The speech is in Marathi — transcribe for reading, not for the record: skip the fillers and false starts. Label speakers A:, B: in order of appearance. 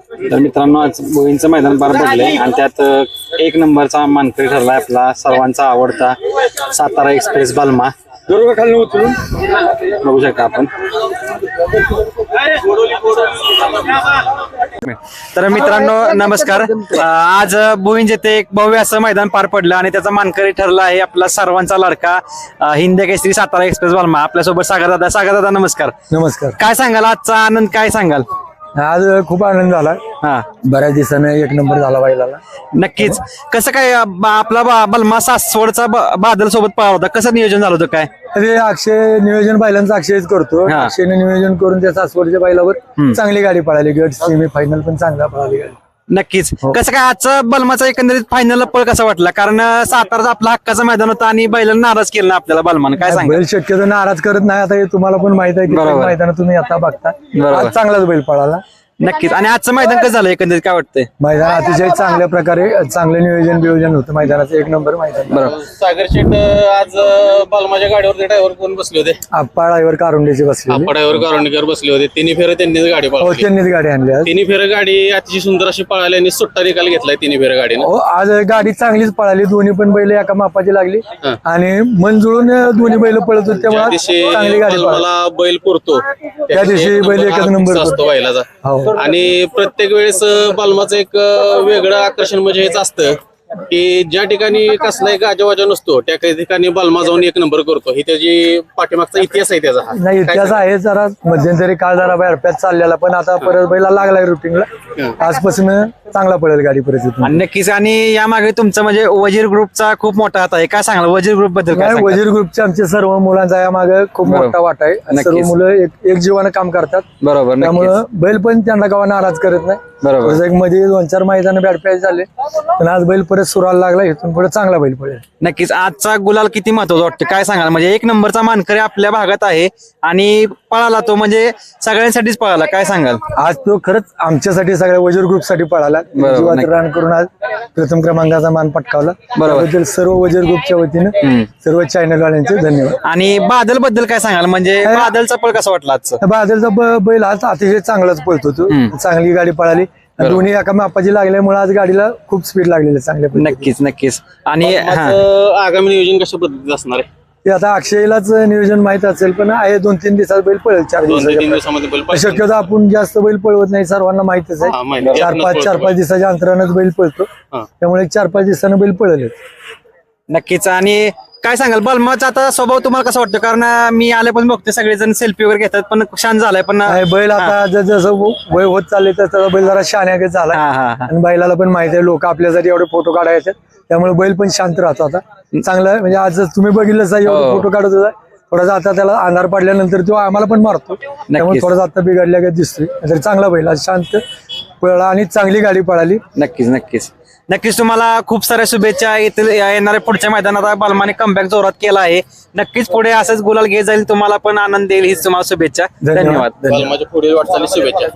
A: तर मित्रांनो आज बोईंचं मैदान पार पडलंय आणि त्यात एक नंबरचा मानकरी ठरलाय आपला सर्वांचा आवडता सातारा एक्सप्रेस बालमा. बघू शकता आपण. तर मित्रांनो नमस्कार. आज बोईंज येथे एक भव्य असं मैदान पार पडलं आणि त्याचा मानकरी ठरला आहे आपला सर्वांचा लाडका हिंद केसरी सातारा एक्सप्रेस बालमा. आपल्यासोबत सागर दादा नमस्कार.
B: नमस्कार.
A: काय सांगाल आजचा आनंद, काय सांगाल?
B: आज खूप आनंद झाला.
A: हा,
B: बऱ्याच दिवसानं एक नंबर झाला बैलाला.
A: नक्कीच. कसं काय आपला बलमा सासवडचा बादल सोबत पळाला होता, कसं नियोजन झालं होतं काय?
B: अरे अक्षय नियोजन बैलांचं अक्षयच करतो.
A: हा.
B: अक्षयने नियोजन करून त्या सासवडच्या बैलावर चांगली गाडी पळाली. गट सेमी फायनल पण चांगला पळाली गाडी.
A: नक्कीच. कसं काय आजचं बलमाचा एकंदरीत फायनलला पळ कसा वाटला? कारण साताराचा आपला हक्काचं मैदान होता आणि बैलांना नाराज केलं ना आपल्याला बलमानं, काय सांगा?
B: बैल शक्यतो नाराज करत नाही. आता हे तुम्हाला पण माहित आहे की मैदान तुम्ही आता बघता. आज चांगलाच बैल पळाला.
A: नक्कीच. आणि आजचं मैदान कसं झालं एकंदरीत, काय वाटतंय?
B: मैदान अतिशय चांगल्या प्रकारे चांगलं नियोजन होतं मैदानाचं. एक नंबर मैदान.
A: बरोबर.
C: सागर शेठ आज बालमाच्या गाडीवरती ड्रायव्हर कोण बसले होते?
B: आप्पा ड्रायव्हर कारुंडेचे बसले.
C: ड्रायव्हर कारुंडीकर बसले होते. तिन्ही फेरे त्यांनीच गाडी
B: हो,
C: पळवली.
B: त्यांनीच गाडी आणली आज.
C: तिन्ही फेरे गाडी अतिशय सुंदर अशी पळाली आणि सुट्टा निकाल घेतलाय तिन्ही फेरे गाडीनं.
B: हो, आज गाडी चांगलीच पळाली. दोन्ही पण बैल एका मापाची लागली आणि मन जुळून दोन्ही बैल पळत होते. त्यामुळे चांगली गाडी पळाली.
C: मला बैल पुरतो
B: त्या दिवशी बैल एकच नंबर
C: असतो बैलाचा.
B: हो.
C: आणि प्रत्येक वेळेस बालमाचं एक वेगळं आकर्षण म्हणजे हेच असतं की ज्या ठिकाणी कसलाही गाजावाजा नसतो त्या ठिकाणी बालमा जाऊन एक नंबर करतो. ही त्याची पाठीमागचा इतिहास आहे त्याचा.
B: नाही, इतिहास आहे. जरा मध्यंतरी काळ जरा बाहेरप्यात चाललेला, पण आता परत बैला लागलाय रुटीनला. आजपासून चांगला पळेल गाडी परत.
A: आणि नक्कीच. आणि यामागे तुमचं म्हणजे वजीर ग्रुपचा खूप मोठा हात आहे, काय सांगाल वजीर ग्रुप बद्दल? काय सांगाल?
B: वजीर ग्रुपचे आमचे सर्व मुलांचा यामागे खूप मोठा वाटा आहे. सर्व मुलं एक जीवानं काम करतात.
A: बरोबर.
B: त्यामुळं बैल पण त्यांना गावा नाराज करत नाही.
A: बरोबर.
B: एक मध्ये 2-4 मैदान बॅटपॅच झाले, पण आज बैल परत सुराला लागला. इथून पुढे चांगला बैल पळेल.
A: नक्कीच. आजचा गुलाल किती महत्वाचा वाटतं, काय सांगाल? म्हणजे एक नंबरचा मानकरी आपल्या भागात आहे आणि पळाला तो म्हणजे सगळ्यांसाठीच पळाला, काय सांगाल?
B: आज तो खरंच आमच्यासाठी सगळ्या वजीर ग्रुप साठी पळाला. जीवात रान करून आज प्रथम क्रमांकाचा मान पटकावला. त्याबद्दल सर्व वजीर ग्रुपच्या वतीनं सर्व चॅनल वाल्यांचे धन्यवाद.
A: आणि बादल बद्दल काय सांगाल? म्हणजे बादलचा पळ कसा वाटला आजचा?
B: बादलचा बैल आज अतिशय चांगलाच पळतो. तो चांगली गाडी पळाली. दोन्ही एका मापाची लागल्यामुळे आज गाडीला खूप स्पीड लागलेली चांगल्या पद्धतीने.
A: नक्कीच. आणि
C: आगामी नियोजन कशा पद्धतीत असणार आहे
B: ते आता अक्षयलाच नियोजन माहित असेल, पण आहे 2-3 दिवसात बैल पळेल. 4
C: दिवसामध्ये बैल
B: दिवसाच्या शक्यतो आपण जास्त बैल पळवत नाही, सर्वांना माहितच आहे. 4-5 दिवसाच्या अंतरानच बैल पळतो. त्यामुळे 4-5 दिवसानं बैल पळेल.
A: नक्कीच. आणि काय सांगाल बलमाचा आता स्वभाव तुम्हाला कसा वाटतो? कारण मी आले पण बघते सगळेजण सेल्फी वगैरे घेतात, पण शांत झालाय. पण
B: बैल आता जसं वय होत चालले तसं बैल जरा शहाण्यागत झाला. आणि बैलाला पण माहिती आहे लोक आपल्यासाठी एवढे फोटो काढायचे, त्यामुळे बैल पण शांत राहतो आता. चांगलं म्हणजे आज तुम्ही बघितलं एवढे फोटो काढत होता. थोडासा आता त्याला अंधार पडल्यानंतर तो आम्हाला पण मारतो, त्यामुळे थोडासा आता बिघडल्या दिसतोय. तरी चांगला बैल आज शांत पळाला आणि चांगली गाडी पळाली.
A: नक्कीच. तुम्हाला खूप साऱ्या शुभेच्छा. येणाऱ्या पुढच्या मैदानात बलमाने कमबॅक जोरात केला आहे. नक्कीच पुढे असंच गुलाल घेत जाईल, तुम्हाला पण आनंद देईल हीच तुम्हाला शुभेच्छा. धन्यवाद.
C: बालमाच्या पुढील वाटचाली शुभेच्छा.